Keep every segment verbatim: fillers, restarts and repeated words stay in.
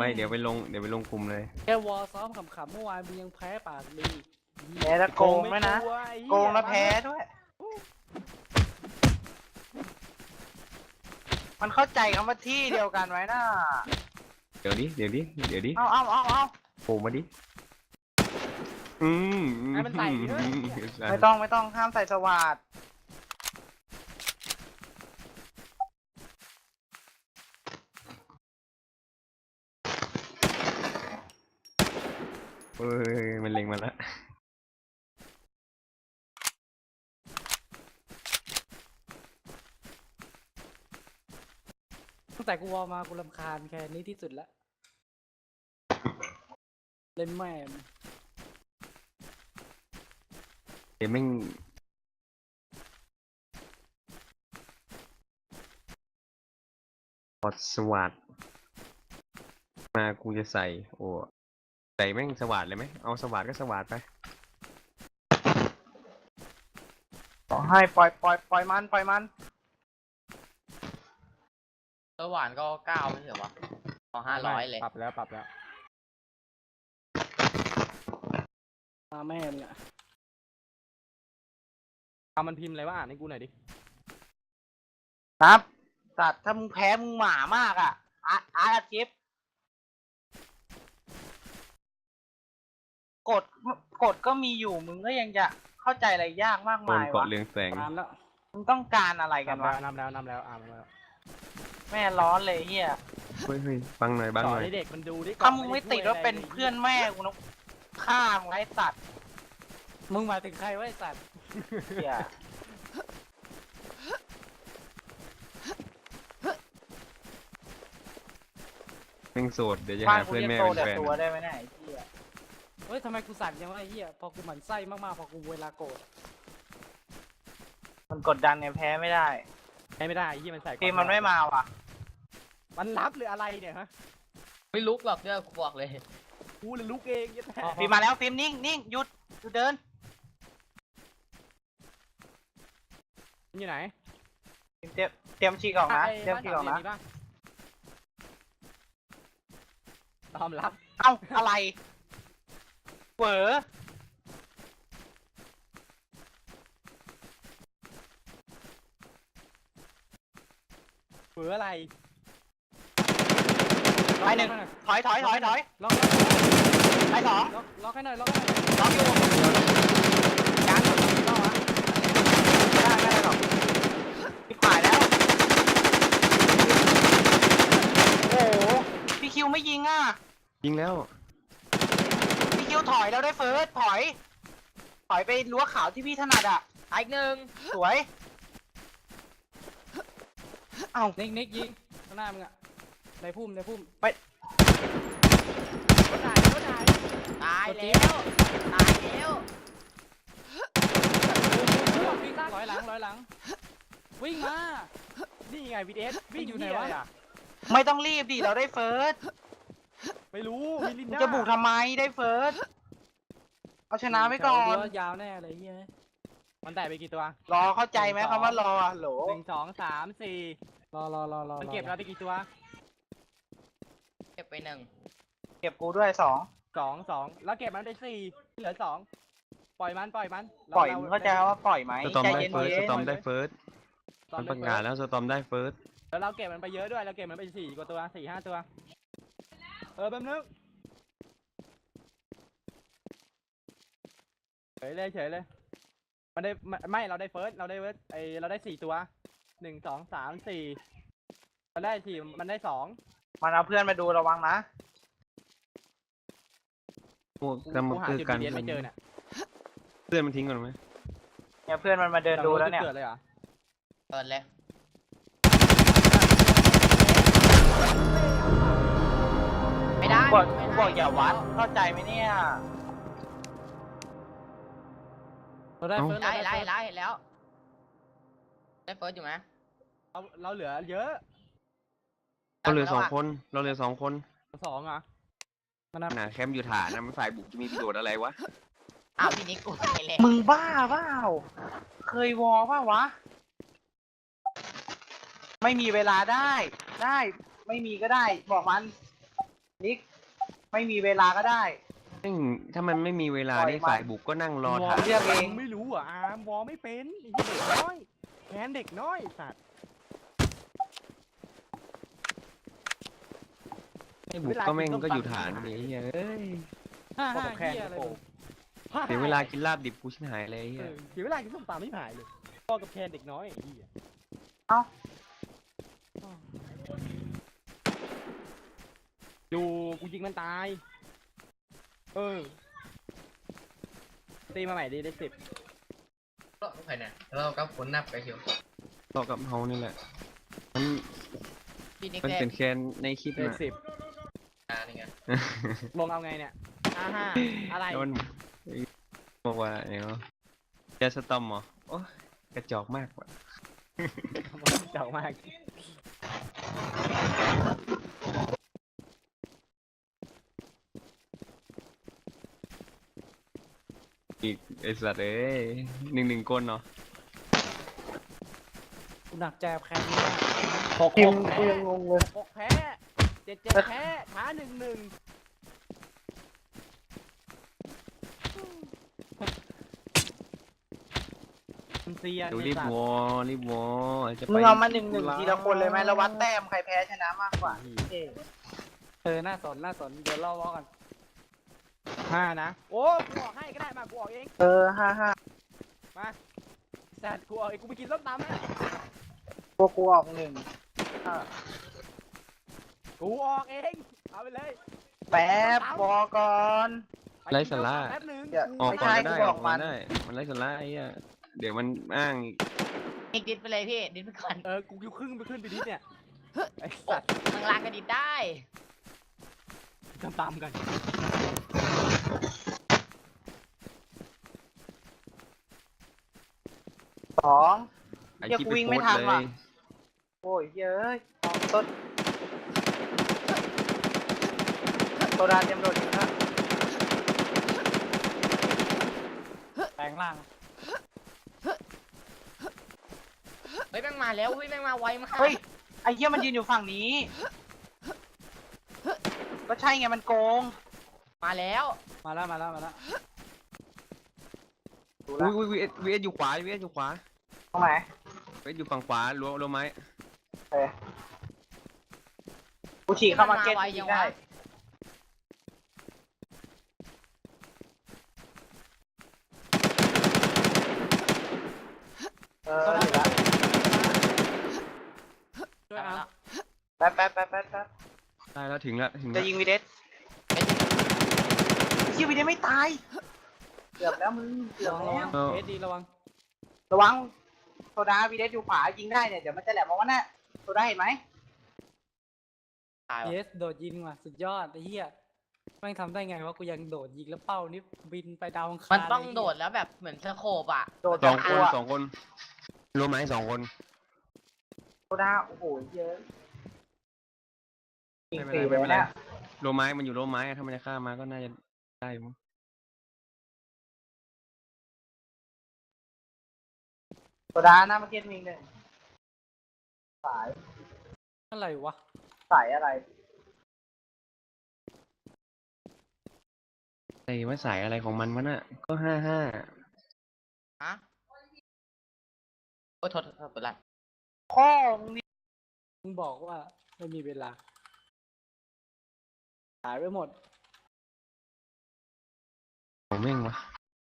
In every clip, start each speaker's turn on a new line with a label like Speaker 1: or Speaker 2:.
Speaker 1: ไปเดี๋ยวไปลงเดี๋ยวไปลงกลุ่มเลย
Speaker 2: แค่วอลซ้อมขำๆเมื่อวานมึงยังแพ้ปากดี
Speaker 3: แพ้แล้วโกงด้วยนะโกงแล้วแพ้ด้วย มันเข้าใจคำว่าที่เดียวกันไว้น่ะ
Speaker 1: เดี๋ยวดิเดี๋ยวดิเดี๋ยวดิ
Speaker 3: เอาเอาเอาเอา
Speaker 1: โผล่มาดิอืม
Speaker 2: ให้มันใส่ด้วย
Speaker 3: ไม่ต้องไม่ต้องห้ามใส่สวัสด
Speaker 1: เฮ้ยมันเล็งมาแล้ว
Speaker 2: ตั้งแต่กูวอลมากูรำคาญแค่นี้ที่สุดละเล่นแม่ง
Speaker 1: เดี๋ยวแม่งพอสวัสดมากูจะใส่โอ้ใส่แม่งสวัสดเลยไหมเอาสวัสดก็สวัสดไป
Speaker 3: ขอให้ปล่อยปล่อยปล่อยมันปล่อยมัน
Speaker 4: เออหวานก็เก้าไม่ใช่เหรอวะพอห้าร้อยเลย
Speaker 2: ปรับแล้วปรับแล้วมาแม่มึงอะเอามันพิมพ์อะไรวะอ่านให้กูหน่อยดิ
Speaker 3: ครับตัดถ้ามึงแพ้มึงหมามากอ่ะอาร์อาร์จิฟกดกดก็มีอยู่มึงก็ยังจะเข้าใจอะไรยากมาก
Speaker 1: โดน
Speaker 3: มายวะ
Speaker 1: เกาะเรืองแสง
Speaker 2: ตามแล้ว
Speaker 3: มึงต้องการอะไรกันวะ
Speaker 2: นำแล้วนำแล้วอ่านมาแล้ว
Speaker 3: แม่ร้อนเลยเฮีย
Speaker 1: เฮ้ยเฮ้ยบังหน่อยบัง
Speaker 2: สอ
Speaker 1: ห
Speaker 2: น
Speaker 1: น่อย
Speaker 2: ให้เด็กมันดูดิ
Speaker 3: ถ้ามึงไม่ติดว่าเป็นเพื่อนแม่กูนะฆ่ามึงไอ้สัตว์
Speaker 2: มึงหมายถึงใครวะไอ้สัตว์
Speaker 3: เฮีย
Speaker 1: แม่งโสดเดี๋ยวจะ
Speaker 3: บ้าน
Speaker 1: หา
Speaker 3: กู
Speaker 1: เพื่อน
Speaker 3: เรียก
Speaker 1: แม่
Speaker 3: โต
Speaker 1: เป็น
Speaker 3: แต่
Speaker 1: แฟน
Speaker 3: ตัวได้ไหมเนี่ยไอ้เฮีย
Speaker 2: เฮ้ยทำไมกูสั่นยังวะไอ้เหี้ยพอกูหมั่นไส้มากๆพอกูเวลาโกรธ
Speaker 3: มันกดดันเนี่ยแพ้ไม่ได้
Speaker 2: ใช้ไม่ได้ไอ้เหี้ยมันใส่
Speaker 3: ทีมมันไม่มาว่ะ
Speaker 2: มันรับหรืออะไรเนี่ยฮะ
Speaker 4: ไม่ลุกหรอกเด้อกูบอกเลย
Speaker 2: กูเลยลุกเองยัดแท้
Speaker 3: ฟิล์มมาแล้วฟิล์มนิ่งนิ่งหยุดหยุดเดิน
Speaker 2: มันอยู่ไหน
Speaker 3: ฟิล์มเตรียมเตรียมฉีกออกนะเตรียมฉีกออกนะ
Speaker 2: ตอมรับ
Speaker 3: เอ้าอะไรเฝอ
Speaker 2: เผืออะไร
Speaker 3: ไปหนึ่งถอยถอยถอยถอย
Speaker 2: ล็อก
Speaker 3: ไปสอง
Speaker 2: ล็อกล็อกให้หน่อยล็อกให้หน่อย
Speaker 3: ล็อกอยู่ยังต้องวะไม่ได้ไม่ได้หรอกพี่ผ่ายแล้วโอ้โหพี่คิวไม่ยิงอ่ะ
Speaker 1: ยิงแล้ว
Speaker 3: พี่คิวถอยแล้วได้เฟิร์สถอยถอยไปรั้วขาวที่พี่ถนัดอ่ะ
Speaker 4: อีกหนึ่ง
Speaker 3: สวยเอ้า
Speaker 2: นิกนิกยิงข้างหน้ามึงอะในพุ่มในพุ่ม
Speaker 3: ไป
Speaker 2: รถไหนรถไหน
Speaker 4: ตายแล้วตายแล้ว
Speaker 2: วิ่งร้อยหลังร้อยหลังวิ่งมานี่ไงวีดีเอสวิ่งอยู่ไหนวะ
Speaker 3: ไม่ต้องรีบดิเราได้เฟิร์ส
Speaker 2: ไม่รู้มิลิน
Speaker 3: มึง
Speaker 2: ดา
Speaker 3: จะบุกทำไมได้เฟิร์สเอาชนะไว้ก่อน
Speaker 2: ยาวแน่เลยเฮ้ยมันแตะไปกี่ตัว
Speaker 3: รอเข้าใจไหมคำว่ารอโหล
Speaker 2: หนึ่งสองสามสี่รอรอรอรอมันเก็บเราได้กี่ตัว
Speaker 4: เก็บไปหนึ่ง
Speaker 3: เก็บกูด้วยสอง
Speaker 2: สองสองแล้วเก็บมันได้สี่เหลือสองปล่อยมันปล่อยมัน
Speaker 3: ปล่อยมึงเข้าใจว่าปล่อยไหม
Speaker 1: สตอม
Speaker 3: ใจ
Speaker 1: ได้
Speaker 3: เย็น
Speaker 1: เฟิร์ส
Speaker 3: เย็
Speaker 1: ส
Speaker 3: น
Speaker 1: ตอมได้เฟิร์สมันประกาศแล้วสตอมได้เฟิร์ส
Speaker 2: แล้วเราเก็บมันไปเยอะด้วยเราเก็บมันไปสี่กว่าตัวสี่ห้าตัวเออแป๊บนึงเฉยเลยเฉยเลยมันได้ไม่เราได้เฟิร์สเราได้เฟิร์สไอเราได้สี่ตัวหนึ่งสองสามสี่มันได้สี่มันได้สอง
Speaker 3: มันเอาเพื่อนมาดูระวังนะ
Speaker 1: พวกกำมือ
Speaker 2: หา
Speaker 1: คือ
Speaker 2: จุด
Speaker 1: กัน
Speaker 2: เดียนไม่เจอเนี่ย
Speaker 1: เพื่อนมันทิ้งก่อนไหม
Speaker 3: เนี่ยเพื่อนมันมาเดินดูแล้วเนี่ย
Speaker 2: เกิดเลยเหรอ
Speaker 4: เปิดเลย ไม่ได้
Speaker 3: บอก
Speaker 4: ไม่ได้
Speaker 3: บอกอย่าวัดเข้าใจไหมเนี่ย
Speaker 2: เราได้เฟิร์ส
Speaker 4: ไล่
Speaker 2: เรา
Speaker 4: ไล่
Speaker 2: ได้
Speaker 4: ไล่แล้ว ได้เฟิร์สอยู่ไหม
Speaker 2: เราเราเหลือเยอะ
Speaker 1: เราเหลือสองคนเราเหลือสองคน
Speaker 2: สองอ่ะมันนับ
Speaker 1: หนาแคมป์อยู่ฐานนะมันฝ่ายบุกจะมีประโยชน์อะไรวะ
Speaker 4: อ้าวพี่นิกกูไปเลย
Speaker 3: มึงบ้าเปล่าเคยวอป่าวะ ไม่มีเวลาได้ ได้ไม่มีก็ได้ บอกมันนิกไม่มีเวลาก็ได้
Speaker 1: ซึ่งถ้ามันไม่มีเวลา
Speaker 3: ปล่อย
Speaker 1: นี่
Speaker 3: มัน
Speaker 1: ฝ่ายบุกก็นั่งรอ
Speaker 2: วอ
Speaker 1: ถ่าย
Speaker 3: เรียกเอง
Speaker 2: ไม่รู้อ่ะอาร์มวอไม่เป็นไอ้เด็กน้อยแค้นเด็กน้อยสัตว์
Speaker 1: ให้บุกก็แม่งก็อยู่ฐานนี่เหี้ยเอ้ย
Speaker 2: ห้า
Speaker 3: พวก
Speaker 2: ห้า
Speaker 3: กับแค้น
Speaker 2: เหี้ยอะไร
Speaker 3: โอ้
Speaker 2: มึง
Speaker 1: เสียเวลากินลาบดิบกูชิบหายเลย
Speaker 2: เอ
Speaker 1: เหี้ย
Speaker 2: อเสียเวลากินส้มตำไม่หายเลยพ่อกับแคนเด็กน้อยไอ้เหี้ย
Speaker 3: เอ้า
Speaker 2: ดูกูยิงมันตาย เออตีมาใหม่ดีได้สิบ
Speaker 4: ก็ไม่ใช่เนี่ยเราก็ผลนับไปเชียว
Speaker 1: ต่อกับเฮานี่แหละมัน
Speaker 4: พี่นิก
Speaker 1: มัน
Speaker 4: แรก
Speaker 1: เป็นแคนในคลิป
Speaker 2: ได้
Speaker 1: น่ะ
Speaker 2: สิบ
Speaker 4: อ่านี่ไง
Speaker 2: ลงเอาไงเนี่ยห้าห้าอะไร
Speaker 1: โดนบอกว่าเนาะจะสตอมเหรอโอ้ยกระจอกมากว่ะ
Speaker 2: เจ๋งมาก
Speaker 1: อีกไอสัตว์เอ้ยหนึ่งหนึ่งก้นเนาะ
Speaker 3: กูหนักใจกับแคนนี้มาก
Speaker 2: หก
Speaker 3: ที
Speaker 2: ห
Speaker 3: ม
Speaker 2: ก
Speaker 3: กู
Speaker 2: แพ้
Speaker 3: ยังงงเลย
Speaker 2: หกแพ้เจ็ดเจ็ดแพ้ช้าหนึ่งหนึ่งมันเซียน
Speaker 1: ดู
Speaker 2: ไอ้
Speaker 1: รีบ
Speaker 2: สัตว์
Speaker 1: วอรีบวอจะไป
Speaker 3: มึงเอามาหนึ่งหนึ่งทีละคนเลยไหมแล้ววัดแต้มใครแพ้ชนะมากกว่าเออ
Speaker 5: เออ น่าสน น่าสน เดี๋ยวเราวอกัน
Speaker 2: ห้านะ โอ้กูออกให้ก็ได้มากูออกเอง
Speaker 3: เออห้าห้า
Speaker 2: มาสัตว์กูออกเองกูไปกินส้มตำนะ
Speaker 3: พวกกูออกหนึ่งห้า
Speaker 2: กูออกเองเอาไปเลย
Speaker 3: แป๊บบอกก่อน
Speaker 2: ปกินส้มตำแป๊บนึง
Speaker 3: เดี๋ยว
Speaker 1: ออก
Speaker 3: ไม่
Speaker 1: ก่อน
Speaker 3: ใช่
Speaker 1: ก็ได้
Speaker 3: กูบ
Speaker 1: อ
Speaker 3: อ
Speaker 1: อก ก
Speaker 3: มั
Speaker 1: มาน ได้ มันไร้สาระไอ้เหี้ยเดี๋ยวมันอ้างอีก
Speaker 4: นิกดิดไปเลยพี่ดิดไปก่อน
Speaker 2: เออกูอยู่ครึ่งไปขึ้นไปนิดเนี่ยไอ้สัตว์
Speaker 4: ข้างล่างก็ดิดได้
Speaker 2: ส้มตำกัน
Speaker 3: สอง
Speaker 1: ไอ้
Speaker 3: เหี้ย
Speaker 1: ที่
Speaker 3: กู
Speaker 1: ไป
Speaker 3: วิ่ง
Speaker 1: โพ
Speaker 3: ไม่
Speaker 1: สต์
Speaker 3: ทัน
Speaker 1: เล
Speaker 3: ว่ะ
Speaker 1: ย
Speaker 3: โอ้ยเย้ยสองต้นโซดาเตรียมโดดอยู่นะ
Speaker 5: แปลงร่าง
Speaker 4: เฮ้ยแม่งมาแล้วเฮ้ยแม่งมาไวมาก
Speaker 3: เฮ้ยไอ้เหี้ยมันยืนอยู่ฝั่งนี้ ก็ใช่ไงมันโกง
Speaker 4: มาแล้ว
Speaker 5: มาแล้ว มาแล้ว มาแล้ว
Speaker 3: ดูละ
Speaker 1: อุ้ยอุ้ยวีเอสวีเอสอยู่ขวาวีเอสอยู่ขวา
Speaker 3: ตรงไหน
Speaker 1: วีเอสอยู่ฝั่งขวารั้วรั้วไม้
Speaker 3: เออกูฉีกเข้ามาเก็ต
Speaker 4: ไว
Speaker 3: ยิ
Speaker 4: ยัง
Speaker 3: งได้
Speaker 4: วะ
Speaker 3: เออเห็นละ
Speaker 5: ช่วยเอา
Speaker 3: แป๊บแป๊บแป๊บแป๊บแป๊บ
Speaker 1: ได้แล้วถึงแล้วถึง
Speaker 3: จะ
Speaker 1: แล้ว
Speaker 3: ยิงวีเดสยิงวีเดสไม่ตาย เกือบแล้วมึง เกือบ
Speaker 5: ระวัง
Speaker 3: แล้ว
Speaker 5: เอสดีระวัง
Speaker 3: ระวัง โซดาวีเดสอยู่ขวายิงได้เนี่ย เดี๋ยวมันจะแหลมมาว่าน่ะโซดาเห็นไหม
Speaker 4: ตาย
Speaker 5: เย
Speaker 4: ว่ะ
Speaker 5: สโดดยิงว่ะ สุดยอดไอ้เหี้ยแม่งทำได้ไงวะ กูยังโดดยิงแล้วเป้านี่บินไปดาวอังคาร
Speaker 4: มันต้อง
Speaker 5: เลย
Speaker 4: โดดแล้วแบบเหมือนสโคปอ่ะ
Speaker 3: โดด
Speaker 1: สอง
Speaker 3: ก
Speaker 1: ค
Speaker 3: ลั
Speaker 1: น
Speaker 3: ว
Speaker 1: สองคนรั้วไม้สองคน
Speaker 3: โซดา โอ้โหเยอะยิง
Speaker 1: ไม่
Speaker 3: ฟรี
Speaker 1: เป็นไร
Speaker 3: เล
Speaker 1: ไม่
Speaker 3: ย
Speaker 1: เป็นไร
Speaker 3: นะ
Speaker 1: รั้วไม้มันอยู่รั้วไม้อะถ้ามันจะฆ่ามาก็น่าจะได้อยู่มั้ง
Speaker 3: โซดาหน้ามาเก็ตมิงหนึ่งสาย
Speaker 5: อะไรวะ
Speaker 3: สายอะไร
Speaker 1: ไอ้ว่าสายอะไรของมันวะน่ะก็ห้าห้า
Speaker 4: ฮะโอ้ยโทษโทษโทษเป็นไร
Speaker 3: พ่อมึงนี่
Speaker 5: มึงบอกว่าไม่มีเวลา หายไปหมด
Speaker 1: ของแม่งวะ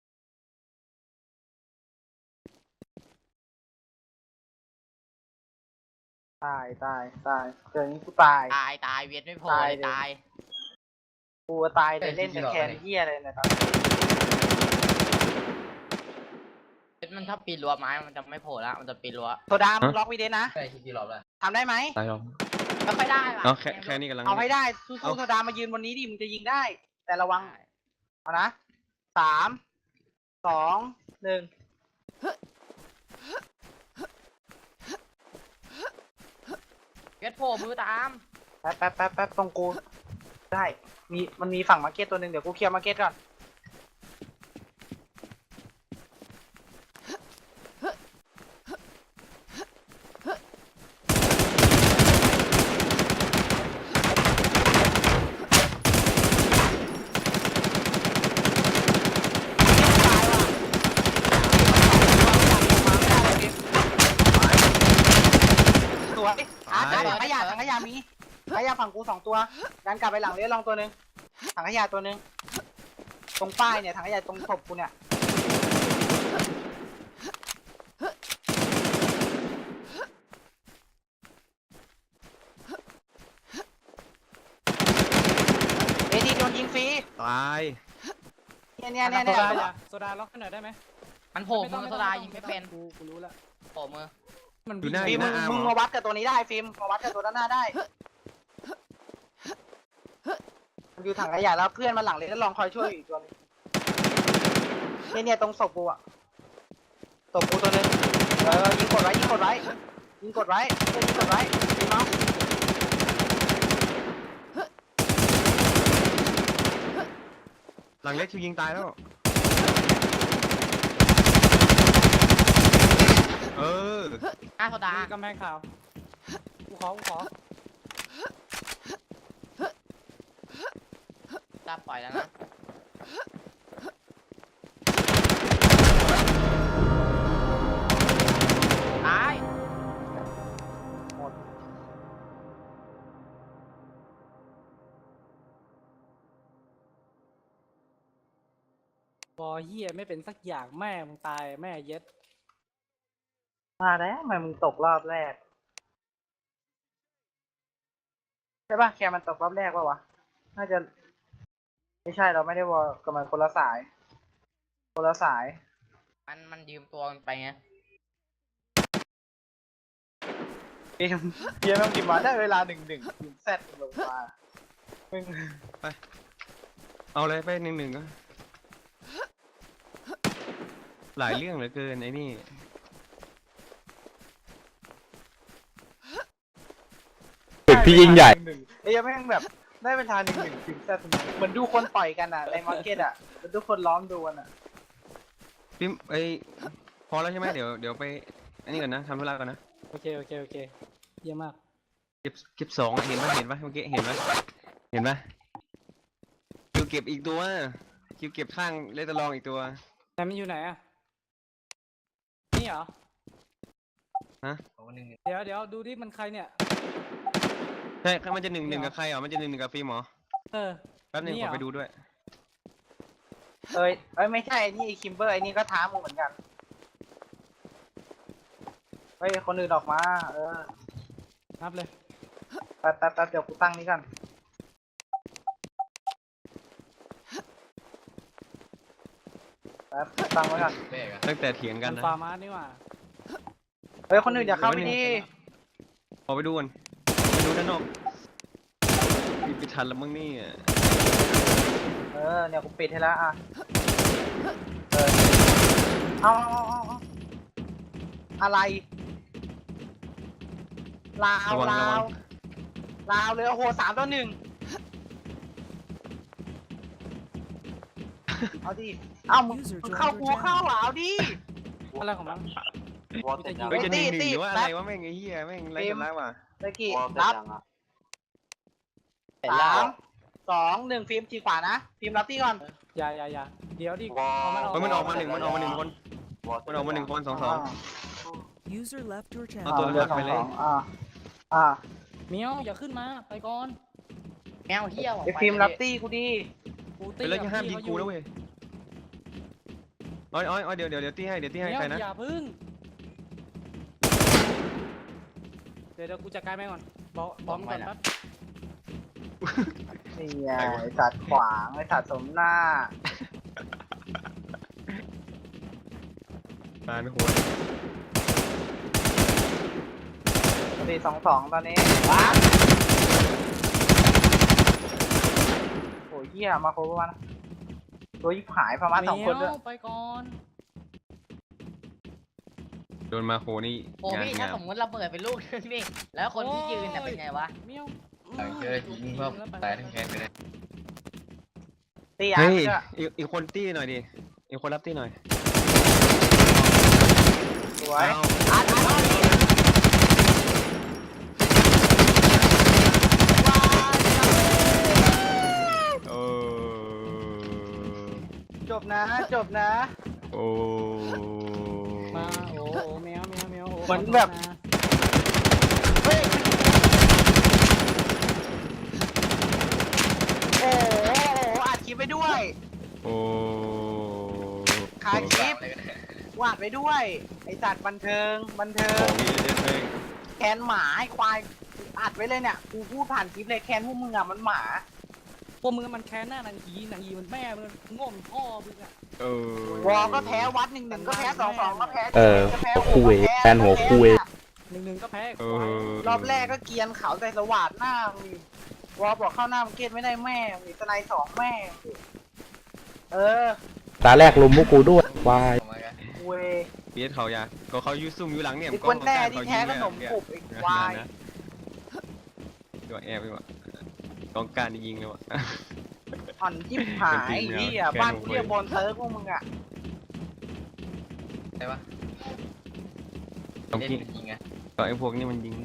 Speaker 3: ตายตายตายเจออย่างนี้กูตาย
Speaker 4: ตายตายเวียนไม่พอ
Speaker 3: ตาย
Speaker 4: เลย
Speaker 3: เลย
Speaker 4: ตาย
Speaker 3: กูตายเลยเล่นแต่แคนเฮียเลยนะครับ
Speaker 4: เวียนมันถ้าปีนรั้วไม้มันจะไม่โผล่แล้วมันจะปีนรั้ว
Speaker 3: โซดามึงล็อกวีเดสนะ
Speaker 4: ใช่ที่ปีนรั้วเลย
Speaker 3: ทำได้ไหม
Speaker 1: ตายหรอก
Speaker 4: ไม่ค่อยได้ว่ะ
Speaker 1: เอาแค่แค่นี้กำลัง
Speaker 3: เอาให้ได้สู้
Speaker 1: เอา
Speaker 3: ๆโซดามายืนบนนี้ดิมึงจะยิงได้ แต่ระวังเอานะสามสองหนึ่ง
Speaker 4: เวียนโผล่มือตาม
Speaker 3: แป๊บแป๊บแป๊บแป๊บตรงกูได้มีมันมีฝั่งมาร์เก็ตตัวหนึ่งเดี๋ยวกูเคลียร์มาร์เก็ตก่อนถังขยะมีถังขยะฝั่งกูสองตัวดันกลับไปหลังเลยลองตัวหนึ่งถังขยะตัวหนึ่งตรงป้ายเนี่ยถังขยะตรงศพกูเนี่ยเอดีโดนยิงฟรี
Speaker 1: ตาย
Speaker 3: เนี่ยเนี่ยเนี่ย
Speaker 2: โซ
Speaker 3: เนี่ย
Speaker 2: ดาอย่าโซดาล็อกให้หน่อยได้ไหม
Speaker 4: มันโผล่มือโซดายิงไม่เป็น
Speaker 2: กูกูรู้แล้ว
Speaker 4: โผล่มือ
Speaker 2: มัน
Speaker 1: อยู่หน้าอ
Speaker 3: ฟิล์ม
Speaker 1: ยู่ห
Speaker 3: มึ
Speaker 1: น้าง อาร์ม
Speaker 3: มึง
Speaker 1: เหร
Speaker 3: มา
Speaker 1: อ
Speaker 3: วัดกับตัวนี้ได้ฟิล์มมาวัดกับตัวด้านหน้าได้มันอยู่ถังขยะแล้วเพื่อนมาหลังเลยแล้วลองคอยช่วยอยู่อีกตัวนึงเนี่ยเนี่ยตรงศพกูอะศพกูตัวนึงเออยิงกดไว้ยิงกดไว้ยิงกดไว้เพื่อนยิงกดไว้ฟิล์มเอา
Speaker 1: หลังเล็กชิวยิงตายแล้วเออ
Speaker 4: หน้าโซดา
Speaker 2: มีกำแพงขาวกูขอกูขอ
Speaker 4: ตาปล่อยแล้วนะตาย
Speaker 2: บอเฮียไม่เป็นสักอย่างแม่มึงตายแม่เย็ด
Speaker 3: มาแล้วทำไมมึงตกรอบแรกใช่ป่ะแคมันตกรอบแรกป่ะวะน่าจะไม่ใช่เราไม่ได้วอลกับมันคนละสายคนละสาย
Speaker 4: มันมันยืมตัวมันไปไง
Speaker 3: เกมเกมมันกินมาได้เวลาหนึ่งหนึ่งยิงแซดลงมามึง
Speaker 1: เอาเลยไปหนึ่งหนึ่งก็หลายเรื่องเหลือเกินไอ้นี่
Speaker 6: จุดที่ยิ่งใหญ่
Speaker 3: หนึ่งไอ้ยังแม่งแบบได้เวลาหนึ่งหนึ่งยิงแซดเหมือนดูคนต่อยกันอ่ะในมาร์เก็ตอ่ะเหมือนดูคนล้อมดูกันอ่ะ
Speaker 1: พี่ไอยพอแล้วใช่ไหมเดี๋ยวเดี๋ยวไปอันนี้ก่อนนะทำธุระก่อนนะ
Speaker 2: โอเคโอเคโอเคเยี่ยมมาก
Speaker 1: เก็บเก็บสองอะเห็นปะเห็นปะเมื่อกี้เห็นปะเห็นปะคิวเก็บอีกตัวคิวเก็บข้างเลตลองอีกตัว
Speaker 2: แต่มันอยู่ไหนอะนี่เหรอ เดี๋ยวเดี๋ยวดูดิมันใครเนี่ย
Speaker 1: ใช่มันจะหนึ่งหนึ่งกับใครเหรอมันจะหนึ่งหนึ่งกับฟิล์มเหรอ
Speaker 2: เออ
Speaker 1: แป๊บหนึง
Speaker 2: นี่
Speaker 1: ข
Speaker 2: เหร
Speaker 1: อ
Speaker 2: อ
Speaker 1: ไปดูด้วย
Speaker 3: เอ้ยเอ้ยไม่ใช่ไอ้นี่ไอ้คิมเบอร์ไอ้นี่ก็ท้ามึงเหมือนกันเฮ้ยคนอื่นออกมาเออ
Speaker 2: นับเลย
Speaker 3: แป๊บแป๊บแป๊บเดี๋ยวกูตั้งนี้ก่อนแป๊บตั้งไว้ก่อน
Speaker 1: ตั้งแต่เถียงกัน
Speaker 2: มัน
Speaker 1: นะ
Speaker 2: ฟาร์มาสนี่หว่า
Speaker 3: เฮ้ยคนอื่นอย่าเข้าไปดิ
Speaker 1: ขอไปดูก่อนไปดูด้านนอกปิดไปทันแล้วมั้งนี่อะ
Speaker 3: เออเนี่ยกูปิดให้แล้วอ่ะเออเอาเอาเอาเอาอะไรลาวลาวลาวเลยโอ้โหสามต่อหนึ่งเอาดิเอ้ามึงมึงเข้ากูเข้าอ่ะเอาดิ
Speaker 2: อะไรของมัน
Speaker 1: เฮ้ยจะหนึ่งห
Speaker 3: ตี
Speaker 1: นึ่ง
Speaker 3: ตี
Speaker 1: หรือว่าอะไรวะแม่งไอ้เหี้ยแม่งไร
Speaker 3: ฟิล์
Speaker 1: กั
Speaker 3: ม
Speaker 1: นแล้วว่ะ
Speaker 3: เมื่อกี้รับสามสองหนึ่งฟิล์มทีขวานะฟิล์มรับที่ก่อน
Speaker 2: อย่าอย่าอย่าเดี๋ยวดิ
Speaker 1: เฮ้ยมันออกมาหนึ่งมันออกมาหนึ่งคนมันออกมาหนึ่งคนสองสอง
Speaker 7: User left your
Speaker 1: เอา
Speaker 7: channel.
Speaker 1: ตัว
Speaker 3: เรือ
Speaker 1: หัก
Speaker 3: สอ
Speaker 1: ไป
Speaker 3: ง
Speaker 1: เล
Speaker 3: ส
Speaker 1: ย
Speaker 3: องอ่าอ่า
Speaker 2: เมียวอย่าขึ้นมาไปก่อน
Speaker 4: แมวเหี้ยว
Speaker 3: ไอ้ฟิล์มรับตี้กูดิ
Speaker 2: กู
Speaker 1: ไป
Speaker 2: ตี
Speaker 1: แล้ว
Speaker 2: กับ
Speaker 1: จะห้ามยิ
Speaker 2: พี่
Speaker 1: ง
Speaker 2: เขาอ
Speaker 1: กู
Speaker 2: ยู่
Speaker 1: นะเว้ยอ้อยอ้อยอ้อยเดี๋ยวเดี๋ยวเดี๋ยวตีให้เดี๋ยวตีให้
Speaker 2: เมียว
Speaker 1: ใครนะ
Speaker 2: อย่าพึ่งเดี๋ยวเดี๋ยวกูจัดการไปก่อนบอกบอกมันก่อนแป๊บ
Speaker 3: นี่ไงไอ้สัตว์ขวางไอ้สัตว์สมหน้า
Speaker 1: ตายหัว
Speaker 3: สี่สองสองตอนนี้ว้าโอ้ยเหี้ยมาโครบวันตัวยิบหายประมาณสองคนด้วย
Speaker 2: เมียวไปก่อน
Speaker 1: โดนมาโคนี่
Speaker 4: โอ้
Speaker 1: งาน
Speaker 4: พี่ถ้าง
Speaker 1: าม
Speaker 4: สมมติระเบิดเป็นลูกนึงนี่แล้วคนที่ยืนน่ะเป็นไงวะ
Speaker 2: เมียว
Speaker 8: เจอยิงเพิ่มตายทั้งแคนไปเลย
Speaker 3: ตีอ่ะ
Speaker 1: เฮ้ย
Speaker 3: เพื่อ
Speaker 1: อีกอีกคนตี้หน่อยดิอีกคนรับตี้หน่อย
Speaker 3: สวย
Speaker 1: เอา
Speaker 3: อ่านอ่านอ่าน
Speaker 1: โอ้
Speaker 3: จบนะจบนะ
Speaker 1: โอ้
Speaker 2: มาโอ้โอ้เมียวเมียวเมียวโอ้
Speaker 3: เหมือนแบบ
Speaker 2: ขโทษนะ
Speaker 3: เฮ้ยด้วย
Speaker 1: โอ้
Speaker 3: คาคลิป
Speaker 8: อะไรกันเนี่ยว
Speaker 3: าดไว้ด้วย ไอสัตว์บันเทิงบันเทิ
Speaker 1: ของ งนี้เด็ดเลย
Speaker 3: แคนหมาไอควายอัดไว้เลยเนี่ยกูพูดผ่านคลิปเลยแคนพวกมึงอ่ะมันหมา
Speaker 5: พวกมึงมันแค้นหน้านางฮีนางฮีมันแม่มึงง่วงพ่อมึงอ่ะ
Speaker 1: เออ
Speaker 3: วอลก็แพ้วัดหนึ่งหนึ่งก็แพ้สองสองก็แพ้
Speaker 6: เออ
Speaker 3: ก็แพ้
Speaker 6: คุย
Speaker 3: ก็พ้
Speaker 6: แฟนหัวคุย
Speaker 5: หนึ่งหนึ่งก็แพ้
Speaker 1: เอ
Speaker 5: ควาย
Speaker 1: อ
Speaker 3: รอบแรกก็เกรียนเขาใส่สวัสดหน้ามึงวอลบอกเข้าหน้ามึงเกตไม่ได้แม่มีสไนสองแม่ เออ
Speaker 6: ตาแรกลุมพวกกูด้วยวาย
Speaker 8: ทำไมกัน
Speaker 3: เว้ย
Speaker 1: เบียดเขาอยากก็เขายูซุ่มอยู่หลังเนี่ย
Speaker 3: ไอ้คนแน่ที่แท้ขนมกรุบไอ้ควาย
Speaker 1: ตัวแอบไปว่ะกองการยิงเลยวะ
Speaker 3: อ่อนจิ้มหาย
Speaker 1: เป็นจริง
Speaker 3: ที่
Speaker 1: แล้ว
Speaker 3: อ่ะ
Speaker 1: แค่
Speaker 3: บ้าน
Speaker 1: หนู
Speaker 3: กูเรียกบอลเซิร์ฟพวกมึงอ่ะ
Speaker 8: ใช่ปะ
Speaker 1: ต้อง
Speaker 8: เล่น
Speaker 1: กิน
Speaker 8: เป็นยิงไง
Speaker 1: ก็ไอ้พวกนี้มันยิง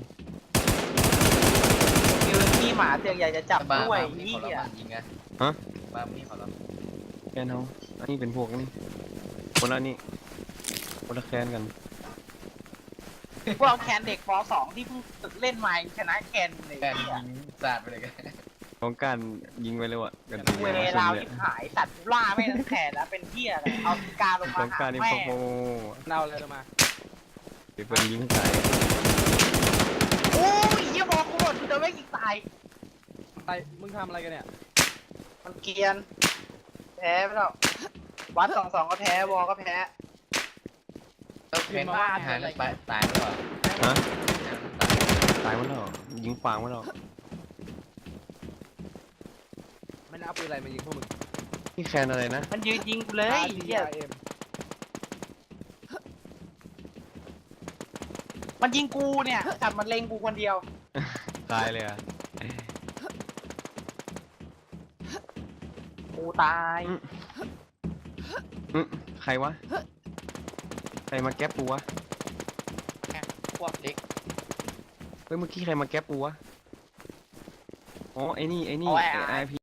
Speaker 3: คิวขี้หมาเตียงใหญ่จะจับ
Speaker 8: บ้า
Speaker 3: ด้วย
Speaker 8: บ้านี่
Speaker 3: นี่
Speaker 8: เขารับ
Speaker 3: อ่ะ
Speaker 8: มันยิงไง
Speaker 1: ฮะ
Speaker 8: บ้านี่เขารับ
Speaker 1: แคนเขาอันนี้เป็นพวกนี้คนละนี่คนละแคนกัน
Speaker 3: พวกแคนเด็กป สองที่เพิ่งฝึกเล่นมายังชนะแคนเลย
Speaker 8: แค่
Speaker 3: เนี่ย
Speaker 8: ยิงสาดไปเลยกัน
Speaker 1: กองการยิงไปเลยว่ะกัน
Speaker 3: เวลาชิบหายตัดล่าไม่ทั้งแขนแล้วเป็นเที่ยเลยเอากาลง
Speaker 1: ก
Speaker 3: มา
Speaker 1: อง
Speaker 3: หา
Speaker 1: การนี่
Speaker 3: แม่
Speaker 1: โอ้โห
Speaker 2: เอาอะไรมา
Speaker 1: เดี๋ยวเพิ่นยิงใส่
Speaker 3: โอ้ยเยี่ยบอกกูหมดกูจะไม่ยิงตาย
Speaker 2: ไปมึงทำอะไรกันเนี่ย
Speaker 3: มันเกรียน แพ้ไปแล้ววัดสองสองก็แพ้วอก็แพ้
Speaker 8: ต้องเป็นบ้าหายแล้วตายตายแล้วเหรอ
Speaker 1: ฮะตายมันแล้วยิงฟางมันแล้ว
Speaker 2: ไม่ได้เอาปืนอะไรมายิงพวกมึง
Speaker 1: นี่แคนอะไรนะ
Speaker 3: มันยืนยิงกูเลยเหี้ย
Speaker 2: เอ็ม
Speaker 3: มันยิงกูเนี่ยจับมันเล็งกูคนเดียว
Speaker 1: ตายเลยอ่ะ
Speaker 3: กูตาย
Speaker 1: อืมใครวะใครมาแก๊ปปูวะ
Speaker 8: พวกเด็ก
Speaker 1: เฮ้ยเมื่อกี้ใครมาแก๊ปปูวะอ๋อไอ้นี่ไอ้นี่ไอพี